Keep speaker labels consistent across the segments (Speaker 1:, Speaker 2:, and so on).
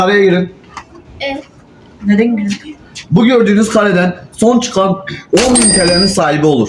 Speaker 1: Kareye girin.
Speaker 2: Neden girdin?
Speaker 1: Bu gördüğünüz kareden son çıkan 10.000 TL'nin sahibi olur.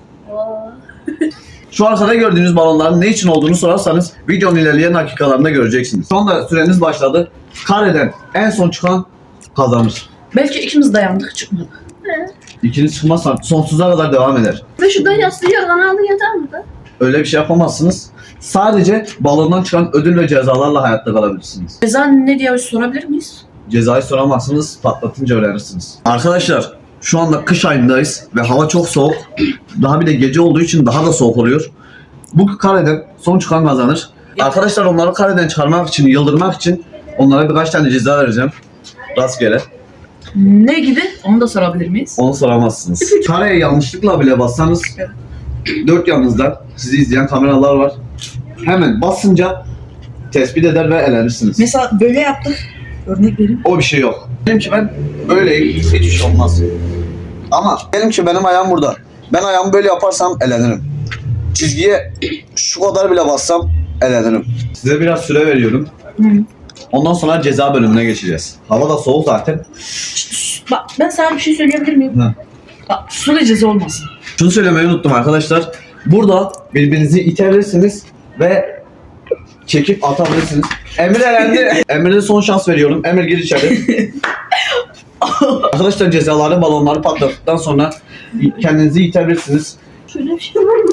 Speaker 1: Şu arkada gördüğünüz balonların ne için olduğunu sorarsanız videonun ilerleyen dakikalarında göreceksiniz. Şu anda süreniz başladı. Kareden en son çıkan kazanır.
Speaker 2: Belki ikimiz dayandık çıkmadı.
Speaker 1: İkiniz çıkmazsa sonsuza kadar devam eder.
Speaker 3: Ve şurada yastığı kanalı yeter mi de?
Speaker 1: Öyle bir şey yapamazsınız. Sadece balondan çıkan ödül ve cezalarla hayatta kalabilirsiniz.
Speaker 2: Ceza ne diye sorabilir miyiz?
Speaker 1: Cezayı soramazsınız, patlatınca öğrenirsiniz. Arkadaşlar şu anda kış ayındayız ve hava çok soğuk. Daha bir de gece olduğu için daha da soğuk oluyor. Bu kareden son çıkan kazanır. Arkadaşlar onları kareden çıkarmak için, yıldırmak için onlara birkaç tane ceza vereceğim. Rastgele.
Speaker 2: Ne gibi? Onu da sorabilir miyiz?
Speaker 1: Onu soramazsınız. Kareye yanlışlıkla bile bassanız dört yanınızda sizi izleyen kameralar var. Hemen basınca tespit eder ve elenirsiniz.
Speaker 2: Mesela böyle yaptık. Örnek vereyim.
Speaker 1: O bir şey yok. Benimki ben böyleyim, hiçbir şey olmaz. Ama benimki benim ayağım burada. Ben ayağımı böyle yaparsam elenirim. Çizgiye şu kadar bile bassam elenirim. Size biraz süre veriyorum. Ondan sonra ceza bölümüne geçeceğiz. Hava da soğuk zaten.
Speaker 2: Bak ben sana bir şey söyleyebilir miyim?
Speaker 1: Hı.
Speaker 2: Bak sulu ceza olmasın.
Speaker 1: Şunu söylemeyi unuttum arkadaşlar. Burada birbirinizi itebilirsiniz ve çekip atabilirsiniz. Emir elendi. Emir'e son şans veriyorum. Emir gir içeri. Arkadaşlar cezaları balonları patlattıktan sonra kendinizi itebilirsiniz.
Speaker 3: Şöyle bir şey var mı?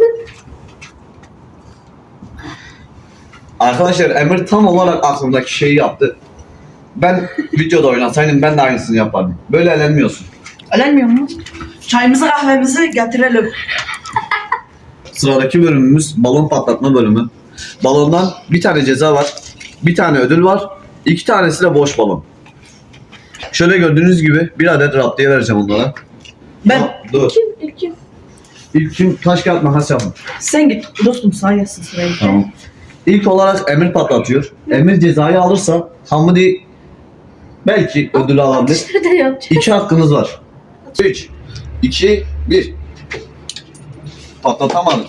Speaker 1: Arkadaşlar Emir tam olarak aklımdaki şeyi yaptı. Ben videoda oynasaydım ben de aynısını yapardım. Böyle elenmiyorsun.
Speaker 2: Elenmiyor mu? Çayımızı kahvemizi getirelim.
Speaker 1: Sıradaki bölümümüz balon patlatma bölümü. Balondan bir tane ceza var. Bir tane ödül var. 2 tanesi de boş balon. Şöyle gördüğünüz gibi bir adet raptiye vereceğim onlara.
Speaker 2: Ben
Speaker 1: Dur.
Speaker 3: İlkim.
Speaker 1: İlk kim taş kağıt makas yapın.
Speaker 2: sen git dostum sağ yazsın sırayı.
Speaker 1: Tamam. İlk olarak Emir patlatıyor. Emir cezayı alırsa Hamdi belki ödülü alabilir.
Speaker 3: Nerede yapacağım?
Speaker 1: 2 hakkınız var. 3, 2, 1. Patlatamadım.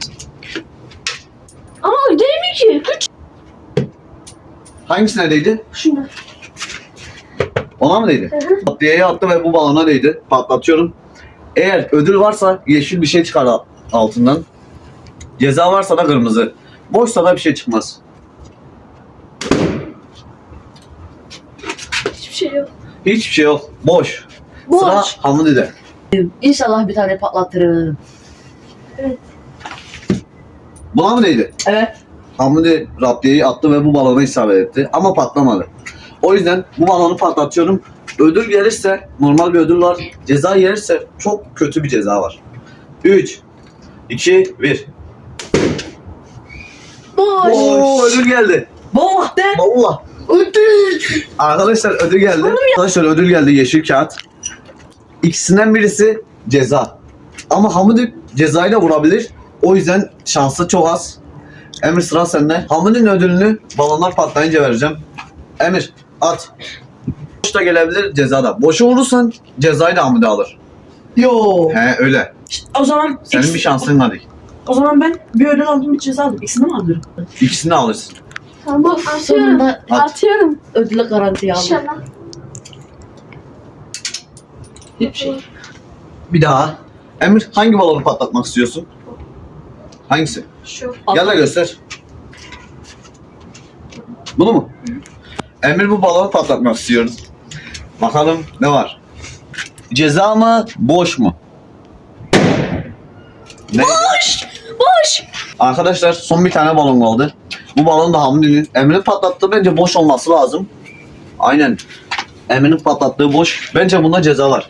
Speaker 3: Ama değil mi ki? Küçük.
Speaker 1: Hangisine değdi?
Speaker 3: Şuna.
Speaker 1: Ona mı değdi?
Speaker 3: Hı hı.
Speaker 1: Patliyeye attı ve bu balona değdi. Patlatıyorum. Eğer ödül varsa yeşil bir şey çıkar altından. Ceza varsa da kırmızı. Boşsa da bir şey çıkmaz.
Speaker 3: Hiçbir şey yok.
Speaker 1: Hiçbir şey yok. Boş.
Speaker 3: Boş.
Speaker 1: Sıra Hamdi'de.
Speaker 2: İnşallah bir tane patlatırım.
Speaker 1: Buna mı değdi?
Speaker 2: Evet.
Speaker 1: Hamdi raptiyeyi attı ve bu balona isabet etti. Ama patlamadı. O yüzden bu balonu patlatıyorum. Ödül gelirse normal bir ödül var. Ceza gelirse çok kötü bir ceza var. 3, 2, 1.
Speaker 3: Boş.
Speaker 1: Oo, ödül geldi.
Speaker 2: Baba de.
Speaker 1: Allah. Ödül. Arkadaşlar ödül geldi. Arkadaşlar ödül geldi, yeşil kağıt. İkisinden birisi ceza. Ama Hamdi cezayla vurabilir. O yüzden şansı çok az. Emir sıra sende. Hamdi'nin ödülünü balonlar patlayınca vereceğim. Emir at. Boş da gelebilir, ceza da. Boşa vurursan cezayı da Hamdi alır.
Speaker 2: Yo.
Speaker 1: He öyle.
Speaker 2: O zaman
Speaker 1: Senin bir şansın hadi.
Speaker 2: O zaman ben bir ödül aldım bir ceza aldım. İkisini mi alırım?
Speaker 1: İkisini alırsın.
Speaker 3: Tamam atıyorum.
Speaker 2: Sonunda
Speaker 1: At.
Speaker 3: Atıyorum.
Speaker 2: ödüle garantiye aldım.
Speaker 3: İnşallah.
Speaker 2: Hiçbir şey.
Speaker 1: Bir daha. Emir hangi balonu patlatmak istiyorsun? Hangisi?
Speaker 3: Şu.
Speaker 1: Gel de göster. Bunu mu? Emir bu balonu patlatmak istiyorum. Bakalım ne var? Ceza mı? Boş mu? Ne?
Speaker 3: Boş.
Speaker 1: Arkadaşlar son bir tane balon kaldı. Bu balon da Hamdi'nin. Emir'in patlattığı bence boş olması lazım. Aynen. Emir'in patlattığı boş. Bence bunda ceza var.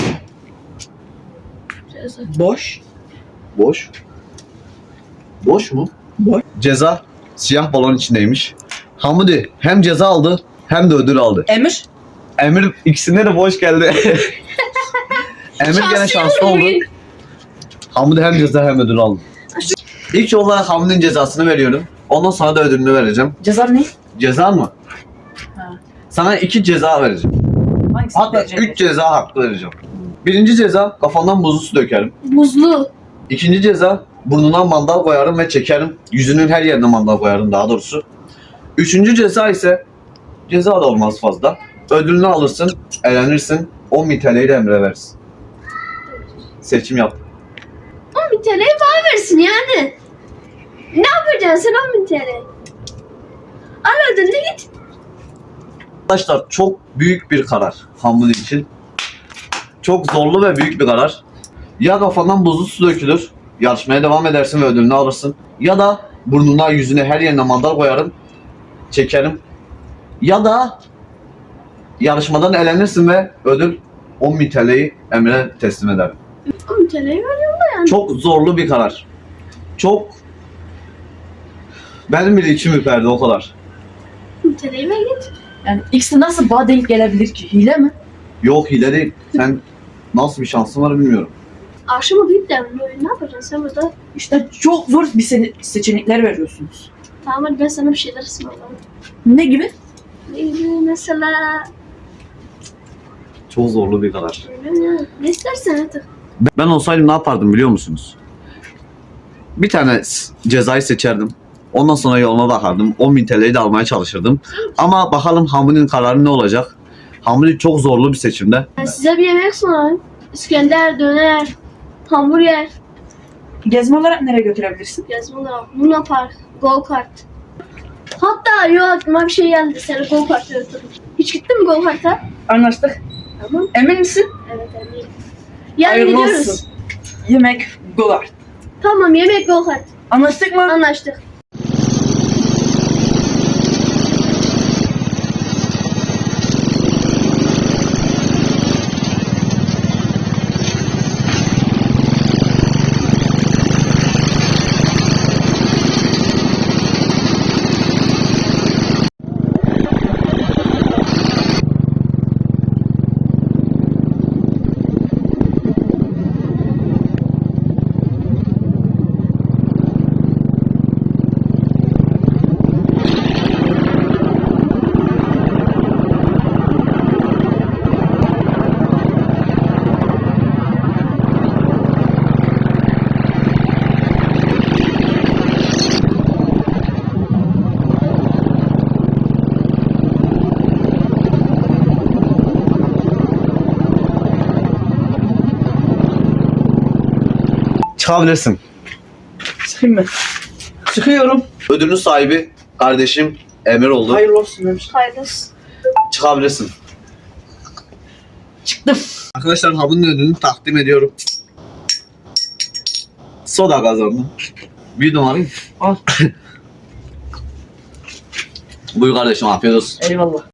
Speaker 2: Boş.
Speaker 1: Boş. Boş mu?
Speaker 2: Boş.
Speaker 1: Ceza siyah balon içindeymiş. Hamdi hem ceza aldı hem de ödül aldı.
Speaker 2: Emir.
Speaker 1: Emir ikisinde de boş geldi. Emir gene şanslı oldu. Hamdi hem ceza hem ödül aldı. İlk olarak Hamdi'nin cezasını veriyorum. Ondan sonra da ödülünü vereceğim.
Speaker 2: Ceza ne?
Speaker 1: Ceza mı?
Speaker 2: Ha.
Speaker 1: Sana 2 ceza vereceğim.
Speaker 2: Hangisi?
Speaker 1: Hatta 3 ceza hakkı vereceğim. Birinci ceza kafandan buzlu su dökerim.
Speaker 3: Buzlu.
Speaker 1: İkinci ceza burnuna mandal koyarım ve çekerim. Yüzünün her yerine mandal koyarım daha doğrusu. Üçüncü ceza ise Ceza da olmaz fazla. Ödülünü alırsın, eğlenirsin. 10.000 TL'yi de Emre versin. Seçim yap.
Speaker 3: 10.000 TL'yi bana versin yani. Ne yapacaksın sen 10.000 TL? Al ödülünü git.
Speaker 1: Arkadaşlar çok büyük bir karar Hamdi için. Çok zorlu ve büyük bir karar. Ya kafandan buzlu su dökülür, yarışmaya devam edersin ve ödülünü alırsın. Ya da burnuna, yüzüne, her yerine mandal koyarım, çekerim. Ya da yarışmadan elenirsin ve ödül 10.000 TL'yi Emre'ye teslim ederim.
Speaker 3: 10.000 TL'yi veriyorum da yani.
Speaker 1: Çok zorlu bir karar. Çok... Benim bile içim ürperdi o kadar.
Speaker 3: 10.000 TL'yi ver git.
Speaker 2: Yani ikisi nasıl bana denk gelebilir ki? Hile mi?
Speaker 1: Yok hile değil. Sen nasıl bir şansın var bilmiyorum.
Speaker 3: Aşımı deyip de ne yapacaksın sen burada?
Speaker 2: İşte çok zor bir seçenekler veriyorsunuz.
Speaker 3: Tamam hadi ben sana bir şeyler ısmarlarım.
Speaker 2: Ne gibi?
Speaker 3: Mesela
Speaker 1: Çok zorlu bir karar.
Speaker 3: ne istersen artık.
Speaker 1: Ben olsaydım ne yapardım biliyor musunuz? Bir tane cezayı seçerdim. Ondan sonra yoluna bakardım. 10.000 TL'yi de almaya çalışırdım. Ama bakalım Hamdi'nin kararı ne olacak? Hamdi çok zorlu bir seçimde.
Speaker 3: Ben size bir yemek ısmarlayayım. İskender, döner, hamburger,
Speaker 2: Gezme olarak nereye götürebilirsin?
Speaker 3: gezme olarak, Luna Park, go kart. Hatta yok aklıma bir şey geldi. Seni go kart'a götürürüm. Hiç gittin mi go kart'a?
Speaker 2: Anlaştık.
Speaker 3: Tamam.
Speaker 2: Emin misin?
Speaker 3: Evet eminim. Yarın
Speaker 2: Hayırlı
Speaker 3: gidiyoruz.
Speaker 2: olsun. Yemek, dolar.
Speaker 3: Tamam yemek go kart.
Speaker 2: Anlaştık mı?
Speaker 3: Anlaştık.
Speaker 1: Çıkabilirsin.
Speaker 2: Sıkayım mı? Sıkıyorum.
Speaker 1: Ödülün sahibi kardeşim Emir oldu.
Speaker 2: Hayırlı olsun demiş.
Speaker 3: Hayırlısı.
Speaker 1: Çıkabilirsin.
Speaker 2: Çıktım.
Speaker 1: Arkadaşlar Hamdi'nin ödülünü takdim ediyorum. Soda kazandım. Bir numarayı.
Speaker 2: Al.
Speaker 1: Buyur kardeşim afiyet olsun.
Speaker 2: Eyvallah.